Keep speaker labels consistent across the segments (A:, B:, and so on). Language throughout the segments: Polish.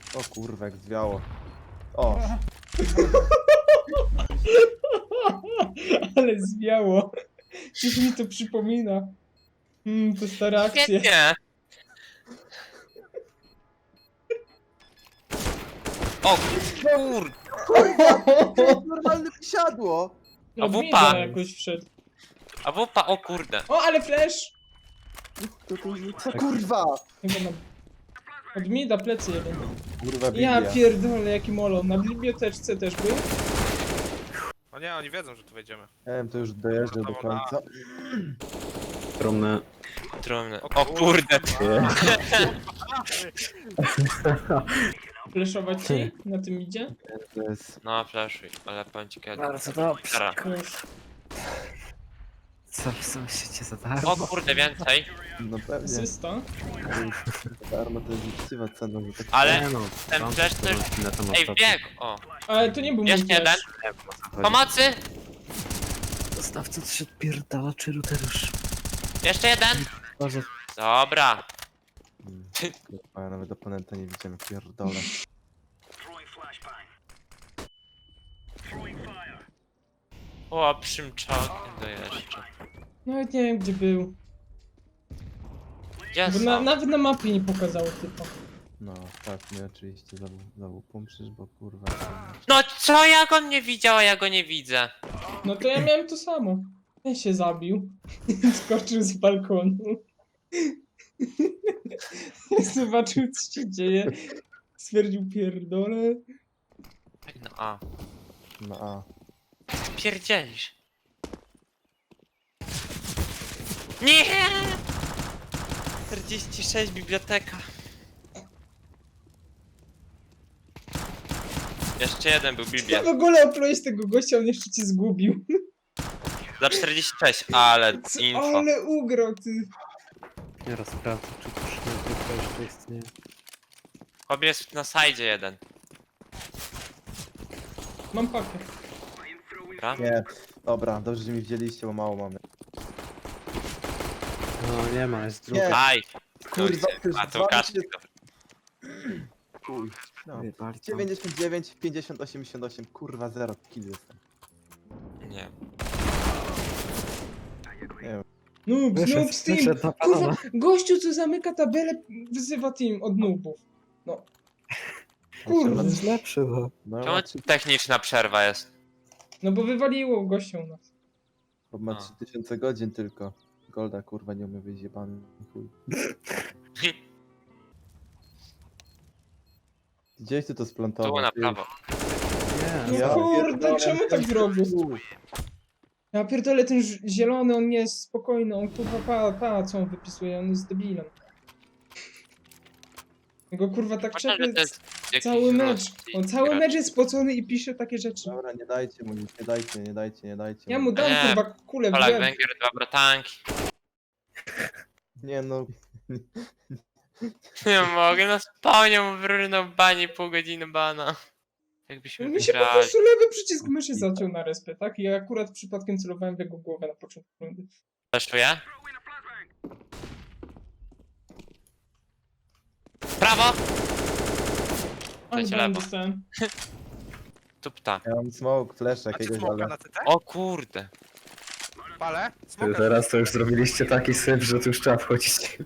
A: O kurwa, jak zwiało. O,
B: Ale zwiało. Coś mi to przypomina. To stare akcje.
C: Świetnie! O kur...
A: to jest normalne wysiadło.
C: A
B: Od
C: wupa.
B: mida jakoś wszedł.
C: A wupa, o kurde.
B: O, ale flash!
A: Co kurwa?
B: Chyba na... Od mida plecy jeden.
A: Kurwa,
B: Ja
A: Biblia.
B: pierdolę, jaki molo. Na biblioteczce też był.
D: No nie, oni wiedzą, że tu wejdziemy.
A: Nie wiem, to już dojeżdża do końca.
E: Trumny.
C: Trumny. O kurde.
B: Flashować ci na tym idzie?
A: To jest...
C: No, flashuj, ale powiem ci kiedy.
E: Bardzo dobrze.
C: Stara.
B: Już.
E: Co myślicie za darmo?
C: O kurde, więcej.
A: No pewnie.
B: Asysta.
A: Darmo to jest uczciwa cena, że tak...
C: Ale
E: Nie no,
C: ten
E: tam
C: flash też...
E: na tym
C: Ej,
E: ostatnim.
C: wbiegł! O.
B: Ale to nie był mój
C: Jeszcze jeden.
B: flash.
E: Nie wiem, o co chodzi.
C: Pomocy!
E: Dostawca to się odpierdala, czy router już?
C: Jeszcze jeden!
E: Boże.
C: Dobra.
A: Kurwa, ja nawet oponenta nie widziałem, pierdolę.
C: O, przymczokiem to jeszcze.
B: Nawet nie wiem gdzie był.
C: Gdzie
B: Bo
C: są?
B: nawet na mapie nie pokazało typa.
A: No, tak, mnie oczywiście znowu pomczysz, bo kurwa...
C: No co, jak on nie widział, a ja go nie widzę?
B: No to ja miałem to samo. Ja się zabił. Skoczył z balkonu. Zobaczył co się dzieje. Stwierdził pierdolę.
C: No a.
A: No a...
C: Pierdzielisz. Nie! 46 biblioteka. Jeszcze jeden był Biblia.
B: W ogóle oplułeś tego gościa, on jeszcze cię zgubił.
C: Za 46, ale
B: Co,
C: info.
B: ale ugrał ty.
E: Nie rozprawdzę, czy to już to istnieje.
C: Chłop jest na sajdzie jeden.
B: Mam pakę.
C: Dobra?
A: Nie, dobra, dobrze, że mi wzięliście, bo mało mamy.
E: No nie ma, jest drugi.
A: Nie.
C: Aj!
A: Kurwa, to jest
C: A to
A: 20.
C: Łukasz.
A: Chuj. No.
E: Bardzo.
A: 99, 50, 88, kurwa 0 kill jestem.
C: Nie.
A: Nie wiem.
B: Noobs, noobs team.
E: Wyszedł na
B: Kurwa,
E: banana.
B: gościu co zamyka tabelę wyzywa team od noobów. No. Kurwa.
E: To jest lepszy, bo...
A: No,
C: Czemu techniczna przerwa jest?
B: No bo wywaliło gościa u nas.
A: bo ma
C: A.
A: 3000 godzin tylko. Golda kurwa nie umie wyjść jebany chuj. Gdzieś ty to splantował?
C: Tu na
A: ty?
C: prawo.
E: Nie,
B: No kurde,
A: pierdolę,
B: czemu tak zrobił?
A: Chuj.
B: Ja pierdolę, ten zielony, on nie jest spokojny, on kurwa pa, co on wypisuje, on jest debilem. Jego kurwa tak
C: Można,
B: czepie
C: że to jest jakiś
B: cały mecz.
C: ruski
B: On cały
C: gracz.
B: mecz jest spocony i pisze takie rzeczy.
A: Dobra, nie dajcie mu nic, nie dajcie.
B: Ja mu dam
C: Nie.
B: kurwa kulę w
C: Polak,
B: łeb.
C: Węgier, dwa bratanki.
A: Nie no,
C: Nie mogę, no spawnie mu wyrynął bani pół godziny bana. Jakbyśmy
B: Mi się po
C: wygrali.
B: prostu lewy przycisk myszy zaciął na respę, tak? I ja akurat przypadkiem celowałem w jego głowę na początku rundy.
C: Fleszuję. Prawo!
B: Ale
C: Leci
B: bałem
C: lewo.
B: dostałem.
C: Tupta.
A: ja mam smoke, flash
D: A ty
A: jakiegoś,
D: smoka
A: ale...
D: na CT?
C: O kurde.
D: Palę? Smoka.
E: Teraz to już zrobiliście taki syf, że tu już trzeba wchodzić.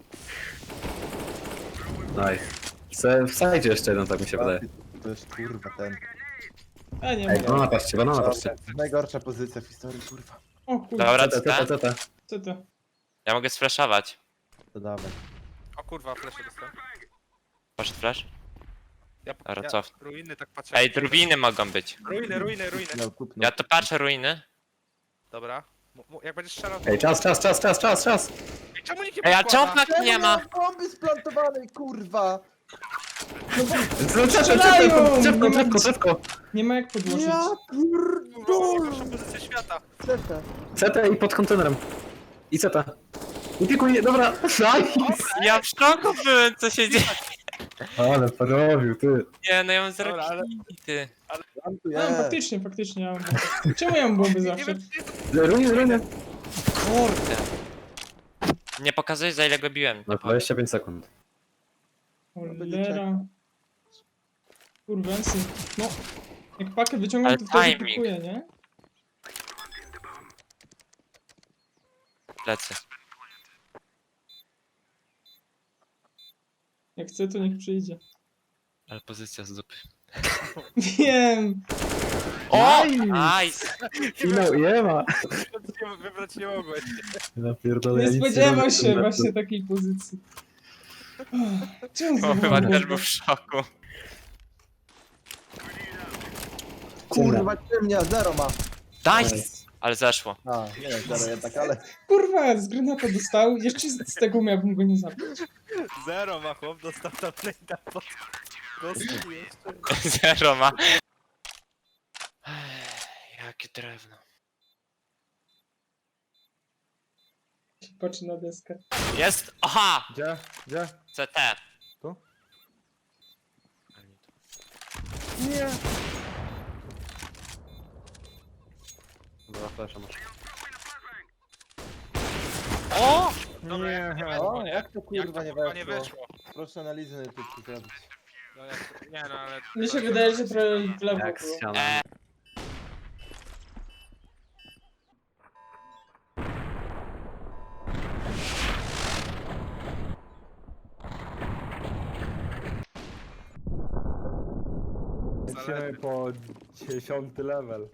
E: Nice. W sajdzie jeszcze jeden, tak mi się wydaje.
A: To jest kurwa ten.
B: A nie
E: Ej,
B: ma.
E: banana patrzcie, banana patrzcie.
A: Najgorsza pozycja w historii, kurwa.
B: O kurwa,
C: Dobra,
E: CT,
C: CT.
E: CT.
B: co to?
C: Ja mogę sflashować.
A: To dawaj.
D: O kurwa, flesze dostałem.
C: Poszedł flash? Dobra,
D: Ja
C: cof.
D: ruiny tak patrzę.
C: Ej, drwiny mogą być.
D: Ruiny.
A: Miał kupno.
C: Ja to patrzę ruiny.
D: Dobra. Jak będziesz strzelał... to-
E: Ej, czas!
D: Ej, czemu nikt nie
C: Ej, a
D: podkłada?
C: czemu tak nie ma?
A: Bomby splantowanej, kurwa!
B: Strzelają!
E: Drzewko!
B: Nie ma jak podłożyć.
A: Ja pierdolę!
D: Najgorsza pozycja świata.
A: Ceta.
E: CT i pod kontenerem. I CT. Upiekuj, dobra, nice!
C: Ja w szoku byłem, co się dzieje.
E: Ale porobił, ty.
C: Nie, no ja mam zero
D: Dobra, ale-
C: killi, ty.
A: Plantuję.
B: A, faktycznie, ja mam bomby. Czemu ja mam bomby
D: Nie
B: zawsze?
D: wiem, czy jest...
E: Ruiny.
C: Kurde. Nie pokazujesz za ile go biłem.
E: No 25 sekund.
B: Cholera. Kurwensy. No. Jak pakę wyciągam,
C: Ale
B: to wtedy
C: timing.
B: pikuje, nie?
C: Lecę.
B: Jak chce, to niech przyjdzie.
C: Ale pozycja z dupy.
B: Wiem!
C: O!
E: Nice!
C: Nice!
E: Finał Jema.
D: Wybrać nie mogłeś.
E: Ja pierdolę,
B: Nie
E: ja nic
B: spodziewał
E: robię.
B: się właśnie takiej pozycji. Czemu
C: O,
B: znowu
C: chyba
B: mam
C: też
B: bombę?
C: był w szoku.
A: Kurwa, ciemnia, zero ma.
C: Nice! Ale zeszło.
A: A, nie wiem, zero jednak, ale...
B: Kurwa, z granata dostał, jeszcze z tego miałbym go nie zabić.
D: Zero ma chłop, dostał tam plejta pod... Kostki jeszcze.
C: Zero ma. Jakie drewno.
B: Patrzy na deskę.
C: Jest! Aha!
E: Gdzie? Gdzie?
C: CT.
E: Tu?
C: A nie tu.
E: Nie. Dobra, flasha masz.
C: O!
D: Dobra,
E: Nie.
D: jak
A: O,
D: weszło, nie?
A: jak to kurwa nie
D: kurwa nie
A: weszło?
D: weszło?
A: Proszę analizę na YouTube zrobić.
D: No, nie no, ale...
B: Mi się wydaje, że trochę w lewo
E: Jak
B: było.
E: ściana.
D: Lecimy
E: po 10 level.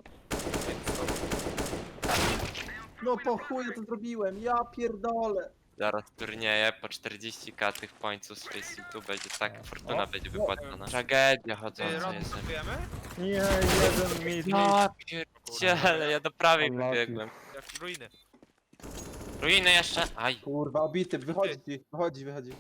A: No po chuj to zrobiłem, ja pierdolę.
C: Zaraz turnieje po 40k tych pońców z Face będzie tak, fortuna będzie wypłacona. Tragedia
D: Ty,
C: chodząca
D: Ron,
C: jest.
D: kupujemy?
E: Nie, jeden mit.
C: Ja pierdziele, ja do prawej
E: Unlucky.
C: wybiegłem.
D: Jak ruiny.
C: Ruiny jeszcze? Aj.
A: Kurwa, obity, wychodzi.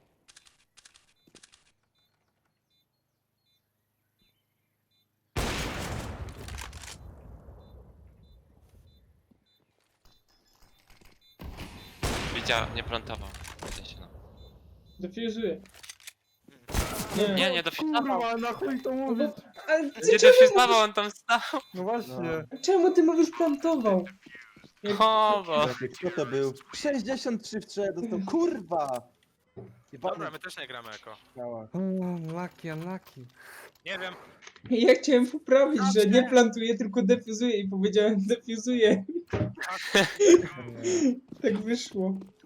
C: Widział, nie plantował. W sensie, no.
B: Defuzuję.
C: Nie, nie dofizował.
E: Kurwa, na chuj to mówisz?
B: Ale ty
C: Nie
B: czemu,
C: dofizował, on tam stał.
E: No właśnie.
B: czemu ty mówisz plantował?
C: O, bo...
A: Kto to był? 63 w 3 dostał, kurwa!
D: Dobra, my też nie gramy jako.
E: Unlucky.
D: Nie wiem.
B: Ja chciałem poprawić, że nie plantuję, tylko defuzuję i powiedziałem defuzuję. Tak wyszło.